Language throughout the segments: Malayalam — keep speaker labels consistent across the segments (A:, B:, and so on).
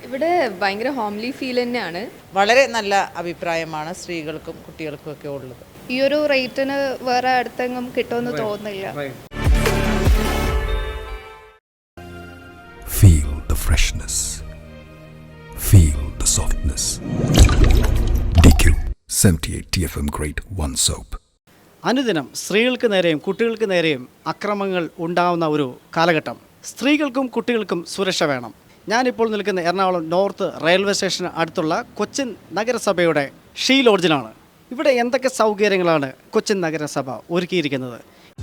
A: ഇവിടെ ഭയങ്കര ഹോംലി ഫീൽ തന്നെയാണ്.
B: വളരെ നല്ല അഭിപ്രായമാണ് സ്ത്രീകൾക്കും കുട്ടികൾക്കും ഒക്കെ ഉള്ളത്.
C: ഈ ഒരു റേറ്റിന് വേറെ അടുത്തെങ്ങും കിട്ടുമെന്ന് തോന്നുന്നില്ല.
D: Feel the freshness. Feel the softness. DQ 78 TFM Grade 1 Soap.
E: അനുദിനം സ്ത്രീകൾക്ക് നേരെയും കുട്ടികൾക്ക് നേരെയും അക്രമങ്ങൾ ഉണ്ടാവുന്ന ഒരു കാലഘട്ടം. സ്ത്രീകൾക്കും കുട്ടികൾക്കും സുരക്ഷ വേണം. ഞാനിപ്പോൾ നിൽക്കുന്ന എറണാകുളം നോർത്ത് റെയിൽവേ സ്റ്റേഷന് അടുത്തുള്ള കൊച്ചിൻ നഗരസഭയുടെ ഷീ ലോഡ്ജിലാണ്. ഇവിടെ എന്തൊക്കെ സൗകര്യങ്ങളാണ് കൊച്ചിൻ നഗരസഭ ഒരുക്കിയിരിക്കുന്നത്?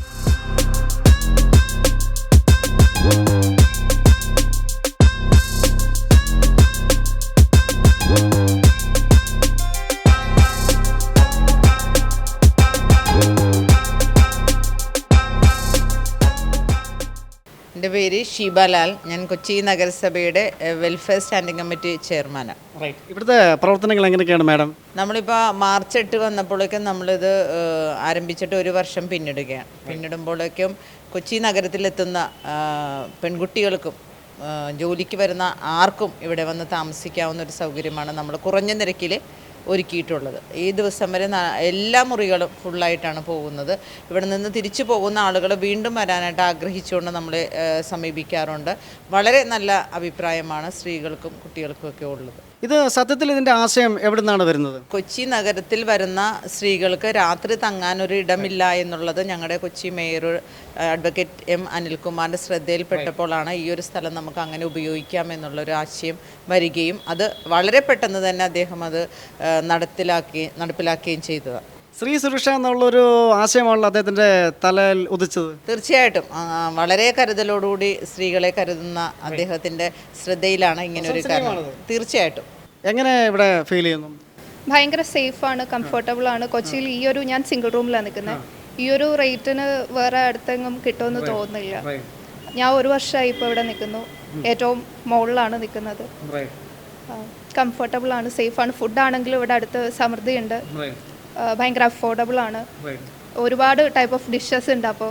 B: എൻ്റെ പേര് ഷീബാലാൽ. ഞാൻ കൊച്ചി നഗരസഭയുടെ വെൽഫെയർ സ്റ്റാൻഡിംഗ് കമ്മിറ്റി ചെയർമാനാണ്.
E: ഇവിടുത്തെ പ്രവർത്തനങ്ങൾ എങ്ങനെയൊക്കെയാണ് മാഡം?
B: നമ്മളിപ്പോൾ മാർച്ച് 8 വന്നപ്പോഴേക്കും നമ്മളിത് ആരംഭിച്ചിട്ട് 1 വർഷം പിന്നിടുകയാണ്. പിന്നിടുമ്പോഴേക്കും കൊച്ചി നഗരത്തിലെത്തുന്ന പെൺകുട്ടികൾക്കും ജോലിക്ക് വരുന്ന ആർക്കും ഇവിടെ വന്ന് താമസിക്കാവുന്ന ഒരു സൗകര്യമാണ് നമ്മൾ കുറഞ്ഞ നിരക്കിൽ ഒരുക്കിയിട്ടുള്ളത്. ഈ ദിവസം വരെ എല്ലാ മുറികളും ഫുള്ളായിട്ടാണ് പോകുന്നത്. ഇവിടെ നിന്ന് തിരിച്ചു പോകുന്ന ആളുകൾ വീണ്ടും വരാനായിട്ട് ആഗ്രഹിച്ചുകൊണ്ട് നമ്മളെ സമീപിക്കാറുണ്ട്. വളരെ നല്ല അഭിപ്രായമാണ് സ്ത്രീകൾക്കും കുട്ടികൾക്കും ഒക്കെ ഉള്ളത്.
E: ഇത് സത്യത്തിൽ ഇതിൻ്റെ ആശയം എവിടെ നിന്നാണ് വരുന്നത്?
B: കൊച്ചി നഗരത്തിൽ വരുന്ന സ്ത്രീകൾക്ക് രാത്രി തങ്ങാനൊരു ഇടമില്ല എന്നുള്ളത് ഞങ്ങളുടെ കൊച്ചി മേയർ അഡ്വക്കേറ്റ് എം അനിൽകുമാറിൻ്റെ ശ്രദ്ധയിൽപ്പെട്ടപ്പോഴാണ് ഈ ഒരു സ്ഥലം നമുക്ക് അങ്ങനെ ഉപയോഗിക്കാം എന്നുള്ളൊരു ആശയം വരികയും അത് വളരെ പെട്ടെന്ന് തന്നെ അദ്ദേഹം അത് നടപ്പിലാക്കുകയും ചെയ്തതാണ്.
E: സ്ത്രീ സുരക്ഷ എന്നുള്ളൊരു ആശയമാണല്ലോ അദ്ദേഹത്തിൻ്റെ തലയിൽ ഉദിച്ചത്.
B: തീർച്ചയായിട്ടും വളരെ കരുതലോടുകൂടി സ്ത്രീകളെ കരുതുന്ന അദ്ദേഹത്തിൻ്റെ ശ്രദ്ധയിലാണ് ഇങ്ങനെ ഒരു കാര്യം. തീർച്ചയായിട്ടും.
E: എങ്ങനെ ഇവിടെ ഫീൽ ചെയ്യുന്നു?
C: ഭയങ്കര സേഫാണ്, കംഫർട്ടബിൾ ആണ്. കൊച്ചിയിൽ ഈ ഒരു ഞാൻ സിംഗിൾ റൂമിലാണ് നിൽക്കുന്നത്. ഈ ഒരു റേറ്റിന് വേറെ അടുത്തെങ്ങും കിട്ടുമെന്ന് തോന്നുന്നില്ല. ഞാൻ 1 വർഷമായി ഇപ്പോൾ ഇവിടെ നിൽക്കുന്നു. ഏറ്റവും മുകളിലാണ് നിൽക്കുന്നത്. കംഫർട്ടബിൾ ആണ്, സേഫാണ്. ഫുഡാണെങ്കിലും ഇവിടെ അടുത്ത് സമൃദ്ധിയുണ്ട്. ഭയങ്കര അഫോർഡബിൾ ആണ്. ഒരുപാട് ടൈപ്പ് ഓഫ് ഡിഷസ് ഉണ്ട്. അപ്പോൾ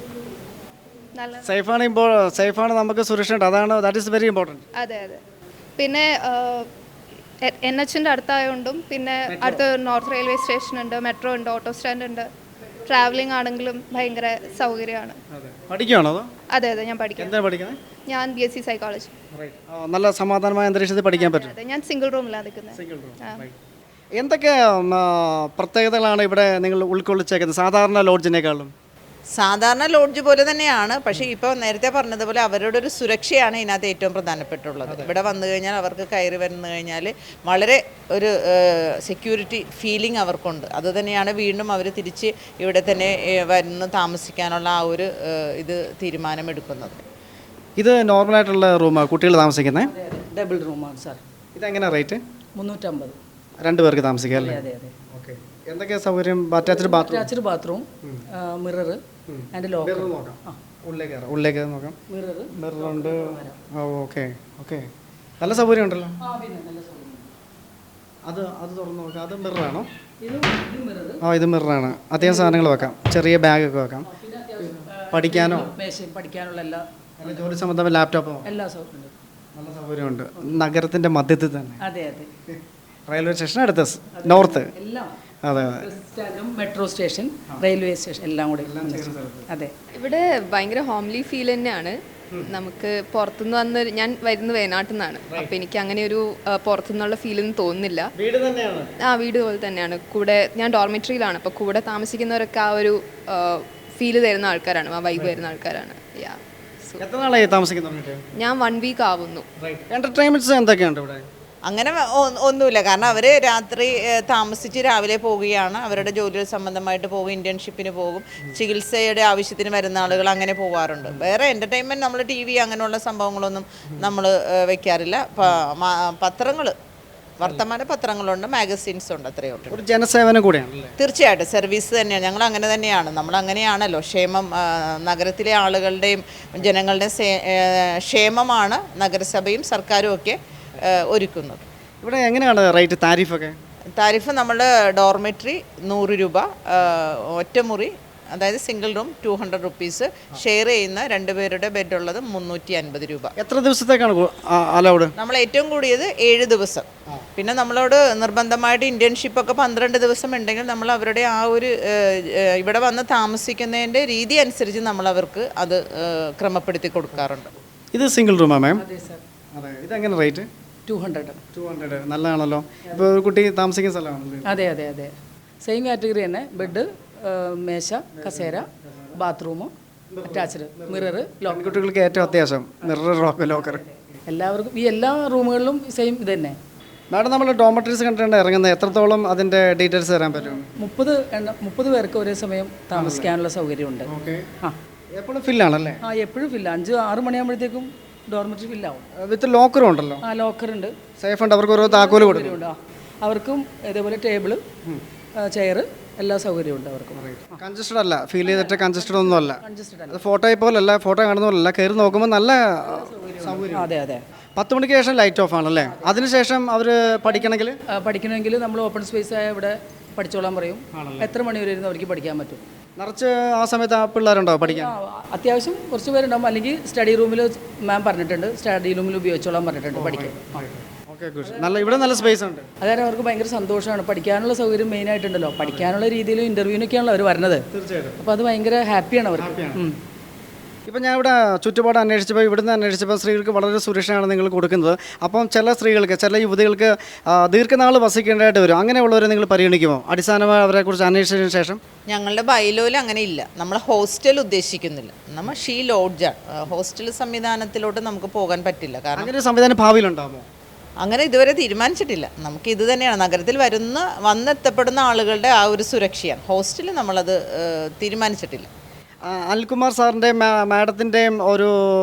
C: നല്ല
E: സേഫാണ്, നമുക്ക് സുരക്ഷ ഉണ്ട്. അതാണ് ദാറ്റ് ഈസ് വെരി ഇമ്പോർട്ടൻറ്റ്.
C: അതെ അതെ. പിന്നെ NH-ൻ്റെ അടുത്തായതുകൊണ്ടും പിന്നെ അടുത്ത് നോർത്ത് റെയിൽവേ സ്റ്റേഷൻ ഉണ്ട്, മെട്രോ ഉണ്ട്, ഓട്ടോ സ്റ്റാൻഡ് ഉണ്ട്. ട്രാവലിംഗ് ആണെങ്കിലും ഭയങ്കര സൗകര്യമാണ്.
E: പഠിക്കുകയാണോ?
C: അതെ അതെ, ഞാൻ പഠിക്കുന്നത്. ഞാൻ BSc സൈക്കോളജി.
E: നല്ല സമാധാനമായ അന്തരീക്ഷത്തിൽ പഠിക്കാൻ പറ്റും.
C: അതെ, ഞാൻ സിംഗിൾ റൂമിലാണ് നിൽക്കുന്നത്.
E: എന്തൊക്കെ പ്രത്യേകതകളാണ് ഇവിടെ നിങ്ങൾ ഉൾക്കൊള്ളിച്ചേക്കുന്നത് സാധാരണ ലോഡ്ജിനേക്കാളും?
B: സാധാരണ ലോഡ്ജ് പോലെ തന്നെയാണ്. പക്ഷേ ഇപ്പോൾ നേരത്തെ പറഞ്ഞതുപോലെ അവരുടെ ഒരു സുരക്ഷയാണ് ഇതിനകത്ത് ഏറ്റവും പ്രധാനപ്പെട്ടുള്ളത്. ഇവിടെ വന്നു കഴിഞ്ഞാൽ അവർക്ക് കയറി വന്നു കഴിഞ്ഞാൽ വളരെ ഒരു സെക്യൂരിറ്റി ഫീലിംഗ് അവർക്കുണ്ട്. അതുതന്നെയാണ് വീണ്ടും അവർ തിരിച്ച് ഇവിടെ തന്നെ വരുന്ന താമസിക്കാനുള്ള ആ ഒരു ഇത് തീരുമാനമെടുക്കുന്നത്.
E: ഇത് നോർമലായിട്ടുള്ള റൂമാണ് കുട്ടികൾ താമസിക്കുന്നത്?
F: ഡബിൾ റൂമാണ് സാർ.
E: ഇതെങ്ങനെ റേറ്റ്?
F: 350.
E: 2 പേർക്ക് താമസിക്കാം അല്ലേ?
F: അതെ അതെ.
E: ഓക്കെ. എന്തൊക്കെ സൗകര്യം? Attached bathroom, mirror and locker. ഉള്ളിലേക്ക് നോക്കാം. മിററുണ്ട്. Okay okay. നല്ല സൗകര്യം ഉണ്ടല്ലോ. അത് തുറന്ന് നോക്കാം. അത് മിററാണോ? ഇത് മിററാണ്. അത്യാവശ്യം സാധനങ്ങൾ വെക്കാം. ചെറിയ ബാഗൊക്കെ വെക്കാം.
F: പഠിക്കാനുള്ള എല്ലാ
E: ജോലി സംബന്ധമായ ലാപ്ടോപ്പോ
F: എല്ലാ സൗകര്യം
E: നല്ല സൗകര്യമുണ്ട്. നഗരത്തിൻ്റെ മധ്യത്തിൽ തന്നെ.
F: അതെ അതെ.
E: റെയിൽവേ സ്റ്റേഷൻ അടുത്ത് നോർത്ത്.
F: എല്ലാം.
E: അതെ.
F: മെട്രോ സ്റ്റേഷൻ, റെയിൽവേ സ്റ്റേഷൻ എല്ലാം കൂടെ. അതെ.
A: ഇവിടെ ഭയങ്കര ഹോംലി ഫീൽ തന്നെയാണ്. നമുക്ക് പുറത്തുനിന്ന് വന്ന് ഞാൻ വരുന്നത് വയനാട്ടിൽ നിന്നാണ്. അപ്പോൾ എനിക്ക് അങ്ങനെ ഒരു പുറത്തുനിന്നുള്ള ഫീലൊന്നും തോന്നുന്നില്ല. വീട് പോലെ തന്നെയാണ്. കൂടെ ഞാൻ ഡോർമെറ്ററിയിലാണ്. അപ്പോൾ കൂടെ താമസിക്കുന്നവരൊക്കെ ആ ഒരു ഫീല് തരുന്ന ആൾക്കാരാണ്, ആ വൈബ് തരുന്ന ആൾക്കാരാണ്.
E: എത്ര നാളായി താമസിക്കുന്നുണ്ട്?
A: ഞാൻ 1 വീക്ക് ആവുന്നു.
E: എന്റർടൈൻമെന്റ്സ് എന്തൊക്കെയുണ്ട് ഇവിടെ?
B: അങ്ങനെ ഒന്നുമില്ല. കാരണം അവർ രാത്രി താമസിച്ച് രാവിലെ പോവുകയാണ്. അവരുടെ ജോലി സംബന്ധമായിട്ട് പോകും, ഇൻറ്റേൺഷിപ്പിന് പോകും, ചികിത്സയുടെ ആവശ്യത്തിന് വരുന്ന ആളുകൾ അങ്ങനെ പോകാറുണ്ട്. വേറെ എൻ്റർടൈൻമെൻറ്റ് നമ്മൾ TV അങ്ങനെയുള്ള സംഭവങ്ങളൊന്നും നമ്മൾ വെക്കാറില്ല. പത്രങ്ങൾ, വർത്തമാന പത്രങ്ങളുണ്ട്, മാഗസീൻസ് ഉണ്ട്, അത്രയേ ഉള്ളൂ.
E: ഒരു ജനസേവനം കൂടിയാണ്.
B: തീർച്ചയായിട്ടും സർവീസ് തന്നെയാണ്. ഞങ്ങൾ അങ്ങനെ തന്നെയാണ്. നമ്മൾ അങ്ങനെയാണല്ലോ. ക്ഷേമം, നഗരത്തിലെ ആളുകളുടെയും ജനങ്ങളുടെയും ക്ഷേമമാണ് നഗരസഭയും സർക്കാരും ഒക്കെ ഒരുക്കുന്നത്.
E: ഇവിടെ എങ്ങനെയാണ് റേറ്റ്, താരിഫൊക്കെ?
B: താരിഫ് നമ്മൾ ഡോർമെട്രി 100 രൂപ, ഒറ്റമുറി അതായത് സിംഗിൾ റൂം 200 റുപ്പീസ്, ഷെയർ ചെയ്യുന്ന 2 പേരുടെ ബെഡ് ഉള്ളത് 350 രൂപ.
E: എത്ര ദിവസത്തേക്കാണ് അലൗഡ്?
B: നമ്മൾ ഏറ്റവും കൂടിയത് 7 ദിവസം. പിന്നെ നമ്മളോട് നിർബന്ധമായിട്ട് ഇന്റേൺഷിപ്പൊക്കെ 12 ദിവസം ഉണ്ടെങ്കിൽ നമ്മൾ അവരുടെ ആ ഒരു ഇവിടെ വന്ന് താമസിക്കുന്നതിൻ്റെ രീതി അനുസരിച്ച് നമ്മൾ അവർക്ക് അത് ക്രമപ്പെടുത്തി കൊടുക്കാറുണ്ട്.
E: ഇത് സിംഗിൾ റൂമാ മാം?
F: അതെ സാർ.
E: അതെ. ഇതെങ്ങനെ റേറ്റ്?
F: 200.
E: നല്ലതാണല്ലോ. ഇപ്പോൾ ഒരു കുട്ടി താമസിക്കുന്ന സ്ഥലമാണല്ലോ.
F: അതെ അതെ അതെ, സെയിം കാറ്റഗറി തന്നെ. ബെഡ്, മേശ, കസേര, ബാത്റൂം, അറ്റാച്ച്ഡ്, മിറർ, ലോക്കർ.
E: കുട്ടികൾക്ക് ഏറ്റവും അത്യാവശ്യം മിറർ, ലോക്കർ.
F: എല്ലാവർക്കും ഈ എല്ലാ റൂമുകളിലും സെയിം ഇത് തന്നെ.
E: മാഡം, നമ്മൾ ഡോമറ്ററീസ് കണ്ടിട്ടുണ്ട് ഇറങ്ങുന്നത്, എത്രത്തോളം അതിൻ്റെ ഡീറ്റെയിൽസ് തരാൻ പറ്റും?
F: 30 പേർക്ക് ഒരേ സമയം താമസിക്കാനുള്ള സൗകര്യമുണ്ട്.
E: ഓക്കെ.
F: ആ,
E: എപ്പോഴും ഫില്ലാണല്ലേ?
F: ആ, എപ്പോഴും ഫില്ല. 5-6 മണിയാകുമ്പോഴത്തേക്കും ഡോർമെറ്ററി ഫില്ലാവും.
E: വിത്ത് ലോക്കറും ഉണ്ടല്ലോ?
F: ആ, ലോക്കറുണ്ട്,
E: സേഫ് ഉണ്ട്. അവർക്ക് ഓരോ താക്കോല് കൊടുക്കും.
F: അവർക്കും ഇതേപോലെ ടേബിള്, ചെയർ, എല്ലാ സൗകര്യവും ഉണ്ട് അവർക്കും.
E: കൺജസ്റ്റഡ് അല്ല, ഫീൽ ചെയ്തിട്ട് കൺജസ്റ്റഡ് ഒന്നും അല്ല.
F: കൺജസ്റ്റഡ് അല്ല.
E: അത് ഫോട്ടോയെ പോലല്ല, ഫോട്ടോ കാണുന്ന പോലല്ല, കയറി നോക്കുമ്പോൾ നല്ല സൗകര്യം.
F: അതെ അതെ.
E: 10 മണിക്ക് ശേഷം ലൈറ്റ് ഓഫ് ആണല്ലേ? അതിനുശേഷം അവർ
F: പഠിക്കണമെങ്കിൽ നമ്മൾ ഓപ്പൺ സ്പേസ് ആയ ഇവിടെ പഠിച്ചോളാൻ പറയും. എത്ര മണി വരെ ഇരുന്ന് അവർക്ക് പഠിക്കാൻ പറ്റും.
E: നിറച്ച് ആ സമയത്ത് ആ പിള്ളേരുണ്ടോ പഠിക്കാൻ?
F: അത്യാവശ്യം കുറച്ച് പേരുണ്ടാവും. അല്ലെങ്കിൽ സ്റ്റഡി റൂമിൽ മാം പറഞ്ഞിട്ടുണ്ട്, സ്റ്റഡി റൂമിൽ ഉപയോഗിച്ചോളാൻ പറഞ്ഞിട്ടുണ്ട് പഠിക്കാൻ.
E: ഓക്കെ, നല്ല ഇവിടെ നല്ല സ്പേസ് ഉണ്ട്.
F: അതായത് അവർക്ക് ഭയങ്കര സന്തോഷമാണ്. പഠിക്കാനുള്ള സൗകര്യം മെയിൻ ആയിട്ടുണ്ടല്ലോ. പഠിക്കാനുള്ള രീതിയിൽ ഇൻ്റർവ്യൂവിനൊക്കെയാണല്ലോ അവർ വരുന്നത്.
E: തീർച്ചയായിട്ടും.
F: അപ്പോൾ അത് ഭയങ്കര ഹാപ്പിയാണ് അവർക്ക്.
E: ഇപ്പം ഞാൻ ഇവിടെ ചുറ്റുപാട് അന്വേഷിച്ചപ്പോൾ, ഇവിടുന്ന് അന്വേഷിച്ചപ്പോൾ സ്ത്രീകൾക്ക് വളരെ സുരക്ഷയാണ് നിങ്ങൾ കൊടുക്കുന്നത്. അപ്പം ചില സ്ത്രീകൾക്ക്, ചില യുവതികൾക്ക് ദീർഘനാൾ വസിക്കേണ്ടതായിട്ട് വരും. അങ്ങനെയുള്ളവരെ നിങ്ങൾ പരിഗണിക്കുമോ? അടിസ്ഥാനമായി അവരെക്കുറിച്ച് അന്വേഷിച്ചതിന് ശേഷം?
B: ഞങ്ങളുടെ ബൈലോയിൽ അങ്ങനെ ഇല്ല. നമ്മൾ ഹോസ്റ്റൽ ഉദ്ദേശിക്കുന്നില്ല. നമ്മൾ ലോഡ്ജാണ്. ഹോസ്റ്റൽ സംവിധാനത്തിലോട്ട് നമുക്ക് പോകാൻ പറ്റില്ല. കാരണം
E: അങ്ങനെ ഒരു സംവിധാനം ഭാവിയിലുണ്ടാകുമോ?
B: അങ്ങനെ ഇതുവരെ തീരുമാനിച്ചിട്ടില്ല. നമുക്ക് ഇത് തന്നെയാണ് നഗരത്തിൽ വന്നെത്തപ്പെടുന്ന ആളുകളുടെ ആ ഒരു സുരക്ഷയാണ്. ഹോസ്റ്റലിൽ നമ്മളത് തീരുമാനിച്ചിട്ടില്ല.
E: അനിൽകുമാർ സാറിൻ്റെയും മാഡത്തിൻ്റെയും ഒരു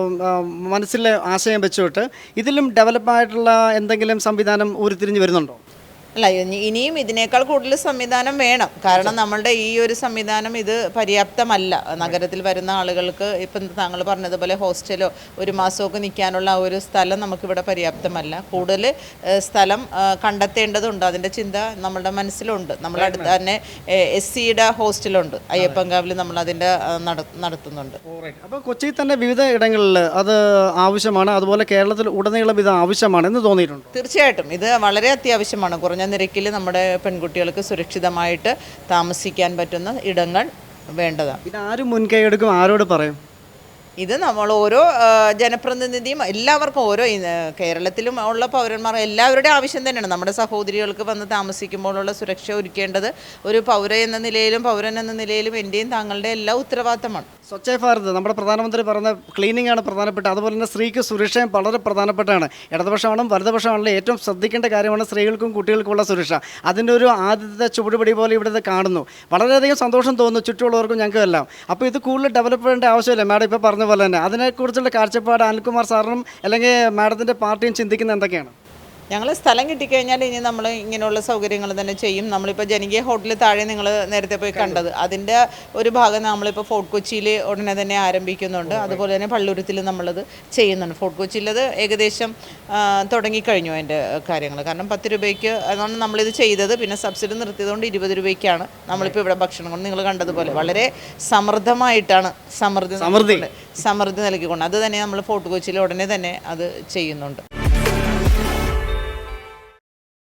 E: മനസ്സിലെ ആശയം വെച്ചുകൊണ്ട് ഇതിലും ഡെവലപ്പായിട്ടുള്ള എന്തെങ്കിലും സംവിധാനം ഉരുത്തിരിഞ്ഞ് വരുന്നുണ്ടോ?
B: അല്ല, ഇനിയും ഇതിനേക്കാൾ കൂടുതൽ സംവിധാനം വേണം. കാരണം നമ്മളുടെ ഈ ഒരു സംവിധാനം ഇത് പര്യാപ്തമല്ല. നഗരത്തിൽ വരുന്ന ആളുകൾക്ക് ഇപ്പം താങ്കൾ പറഞ്ഞതുപോലെ ഹോസ്റ്റലോ 1 മാസമൊക്കെ നിൽക്കാനുള്ള ആ ഒരു സ്ഥലം നമുക്കിവിടെ പര്യാപ്തമല്ല. കൂടുതൽ സ്ഥലം കണ്ടെത്തേണ്ടതുണ്ട്. അതിൻ്റെ ചിന്ത നമ്മളുടെ മനസ്സിലുണ്ട്. നമ്മുടെ അടുത്ത് തന്നെ SCയുടെ ഹോസ്റ്റലുണ്ട്, അയ്യപ്പൻകാവിൽ നമ്മളതിൻ്റെ നടത്തുന്നുണ്ട്.
E: അപ്പോൾ കൊച്ചിയിൽ തന്നെ വിവിധ ഇടങ്ങളിൽ അത് ആവശ്യമാണ്, അതുപോലെ കേരളത്തിൽ ഉടനീളം ഇത് ആവശ്യമാണ് എന്ന് തോന്നിയിട്ടുണ്ട്?
B: തീർച്ചയായിട്ടും ഇത് വളരെ അത്യാവശ്യമാണ്. കുറഞ്ഞ നിരക്കിൽ നമ്മുടെ പെൺകുട്ടികൾക്ക് സുരക്ഷിതമായിട്ട് താമസിക്കാൻ പറ്റുന്ന ഇടങ്ങൾ വേണ്ടതാണ്.
E: ഇത് ആരും മുൻകൈ എടുക്കും? ആരോട് പറയും?
B: ഇത് നമ്മൾ ഓരോ ജനപ്രതിനിധിയും എല്ലാവർക്കും, ഓരോ കേരളത്തിലും ഉള്ള പൗരന്മാർ എല്ലാവരുടെ ആവശ്യം തന്നെയാണ്. നമ്മുടെ സഹോദരികൾക്ക് വന്ന് താമസിക്കുമ്പോഴുള്ള സുരക്ഷ ഒരുക്കേണ്ടത് ഒരു പൗരൻ എന്ന നിലയിലും എൻ്റെയും താങ്കളുടെ എല്ലാ ഉത്തരവാദിത്തമാണ്.
E: സ്വച്ഛ ഭാരത്, നമ്മുടെ പ്രധാനമന്ത്രി പറഞ്ഞ ക്ലീനിങ് ആണ് പ്രധാനപ്പെട്ട. അതുപോലെ തന്നെ സ്ത്രീക്ക് സുരക്ഷയും വളരെ പ്രധാനപ്പെട്ടാണ്. ഇടതുപക്ഷമാണെങ്കിലും വലതുപക്ഷമാണെങ്കിലും ഏറ്റവും ശ്രദ്ധിക്കേണ്ട കാര്യമാണ് സ്ത്രീകൾക്കും കുട്ടികൾക്കുമുള്ള സുരക്ഷ. അതിൻ്റെ ഒരു ആദ്യത്തെ ചുവടുപടി പോലെ ഇവിടെ കാണുന്നു. വളരെയധികം സന്തോഷം തോന്നുന്നു ചുറ്റുമുള്ളവർക്കും ഞങ്ങൾക്കും എല്ലാം. അപ്പോൾ ഇത് കൂടുതൽ ഡെവലപ്പ് ചെയ്യേണ്ട ആവശ്യമില്ല. മാഡം ഇപ്പോൾ പറഞ്ഞ പോലെ തന്നെ അതിനെക്കുറിച്ചുള്ള കാഴ്ചപ്പാട് അനിൽകുമാർ സാറിനും അല്ലെങ്കിൽ മാഡത്തിൻ്റെ പാർട്ടിയും ചിന്തിക്കുന്നത് എന്തൊക്കെയാണ്?
B: ഞങ്ങൾ സ്ഥലം കിട്ടിക്കഴിഞ്ഞാൽ ഇനി നമ്മൾ ഇങ്ങനെയുള്ള സൗകര്യങ്ങൾ തന്നെ ചെയ്യും. നമ്മളിപ്പോൾ ജനകീയ ഹോട്ടലിൽ താഴെ നിങ്ങൾ നേരത്തെ പോയി കണ്ടത്, അതിൻ്റെ ഒരു ഭാഗം നമ്മളിപ്പോൾ ഫോർട്ട് കൊച്ചിയിൽ ഉടനെ തന്നെ ആരംഭിക്കുന്നുണ്ട്. അതുപോലെ തന്നെ പള്ളുരുത്തിൽ നമ്മളത് ചെയ്യുന്നുണ്ട്. ഫോർട്ട് കൊച്ചിയിലത് ഏകദേശം തുടങ്ങിക്കഴിഞ്ഞു അതിൻ്റെ കാര്യങ്ങൾ. കാരണം 10 രൂപയ്ക്ക് അതാണ് നമ്മളിത് ചെയ്തത്. പിന്നെ സബ്സിഡി നിർത്തിയതുകൊണ്ട് 20 രൂപയ്ക്കാണ് നമ്മളിപ്പോൾ ഇവിടെ ഭക്ഷണം കൊണ്ട് നിങ്ങൾ കണ്ടതുപോലെ വളരെ സമൃദ്ധമായിട്ടാണ് സമൃദ്ധി നൽകിക്കൊണ്ട് അത് തന്നെ നമ്മൾ ഫോർട്ട് കൊച്ചിയിൽ ഉടനെ തന്നെ അത് ചെയ്യുന്നുണ്ട്.